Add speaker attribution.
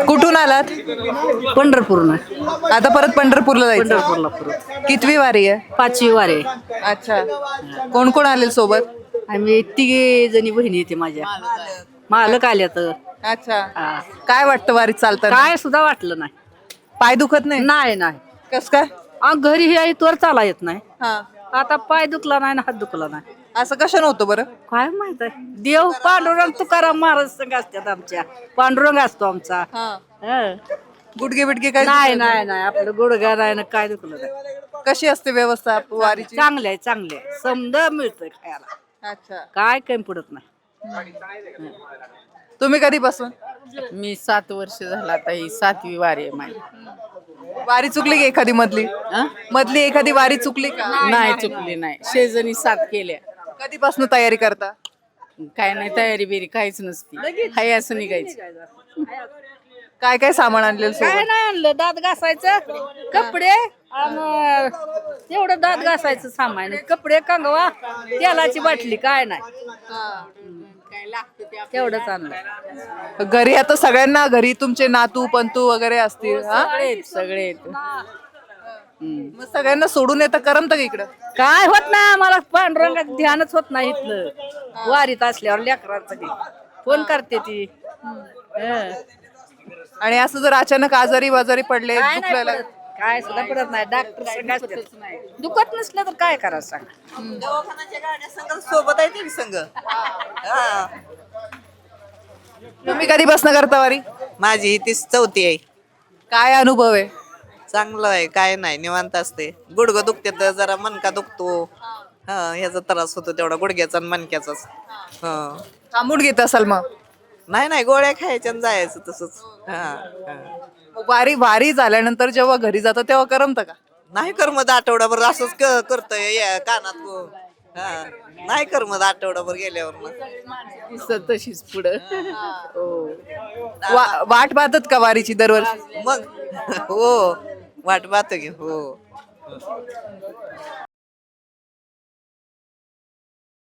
Speaker 1: कुठून आलात?
Speaker 2: पंढरपूरनं
Speaker 1: आता परत पंढरपूरला जायचं.
Speaker 2: पंढरपूरला परत
Speaker 1: कितवी वारी आहे?
Speaker 2: 5वी वारे.
Speaker 1: अच्छा. कोण कोण आले सोबत?
Speaker 2: आम्ही तिघे जणी बहिणी येते माझ्या. मालक आल्या तर
Speaker 1: अच्छा. काय वाटतं वारीत चालताना?
Speaker 2: काय सुद्धा वाटलं नाही.
Speaker 1: पाय दुखत नाही?
Speaker 2: नाही नाही
Speaker 1: कस काय?
Speaker 2: घरी हे इथवर चाला येत नाही.
Speaker 1: हा.
Speaker 2: आता पाय दुखला नाही ना हात दुखला नाही.
Speaker 1: असं कशानं होतं बरं?
Speaker 2: काय माहित आहे. देव पांडुरंग तुकाराम महाराज संघ असतात आमच्या. पांडुरंग असतो आमचा. हं.
Speaker 1: गुडगे बिडगे काय
Speaker 2: नाही
Speaker 1: दुखत
Speaker 2: नाही नाही आपलं गुडघ्या नाही ना काय दुखलं नाही.
Speaker 1: कशी असते व्यवस्था वारीची?
Speaker 2: चांगले आहे चांगले आहे. समजा मिळतंय खायला.
Speaker 1: अच्छा.
Speaker 2: काय कमी पडत नाही.
Speaker 1: तुम्ही कधीपासून?
Speaker 3: मी 7 वर्ष झाला आता ही 7वी वारी आहे माझी.
Speaker 1: वारी चुकली की एखादी मधली? मधली एखादी वारी चुकली का?
Speaker 3: नाही चुकली नाही. शेजारी 7 केल्या.
Speaker 1: कधीपासून तयारी करता?
Speaker 3: काय नाही तयारी बिरी काहीच नसती. हाय असं निघायचं.
Speaker 1: काय काय सामान आणलेलं
Speaker 2: काय
Speaker 1: सोबत?
Speaker 2: नाही आणलं दात घासायचं कपडे आणि तेवढं दात घासायचं सामान कपडे कंगवा तेलाची बाटली काय नाही तेवढंच आणलं.
Speaker 1: घरी आता सगळ्यांना घरी तुमचे नातू पंतू वगैरे असतील हा?
Speaker 3: सगळे
Speaker 1: मग सगळ्यांना सोडून येतं करमत का इकडं?
Speaker 2: काय होत नाही आम्हाला पांडुरंगाचं ध्यानच होत नाही इथलं वारीत असल्यावर लेकरांसाठी फोन करते ती. हं.
Speaker 1: आणि असं जर अचानक आजारी बाजारी पडले
Speaker 2: काय नाही
Speaker 1: दुखलेला
Speaker 2: पडत. काय सुद्धा पडत नाही डॉक्टर संग असतात. दुखत नसलं तर काय करायचं सांग.
Speaker 4: सोबत आहे ते संघ.
Speaker 1: तुम्ही कधीपासून करता वारी?
Speaker 4: माझी ही 34 आहे.
Speaker 1: काय अनुभव आहे?
Speaker 4: चांगलं आहे काय नाही निवांत असते. गुडघं दुखते तर जरा मणका दुखतो. ह्याचा त्रास होतो तेवढा गुडघ्याचा आणि मणक्याचाच.
Speaker 1: थांबून घेत असाल मग?
Speaker 4: नाही नाही गोळ्या खायच्या आणि जायचं तसंच.
Speaker 1: मग वारी वारी झाल्यानंतर जेव्हा घरी जातं तेव्हा करमत का?
Speaker 4: नाही करमत आठवडाभर असंच करतोय कानात. नाही करमत आठवडाभर गेल्यावर मग.
Speaker 3: तशीच पुढं.
Speaker 1: वाट पाहतात का वारीची दरवर्षी?
Speaker 4: मग हो वाट पाहतो की हो.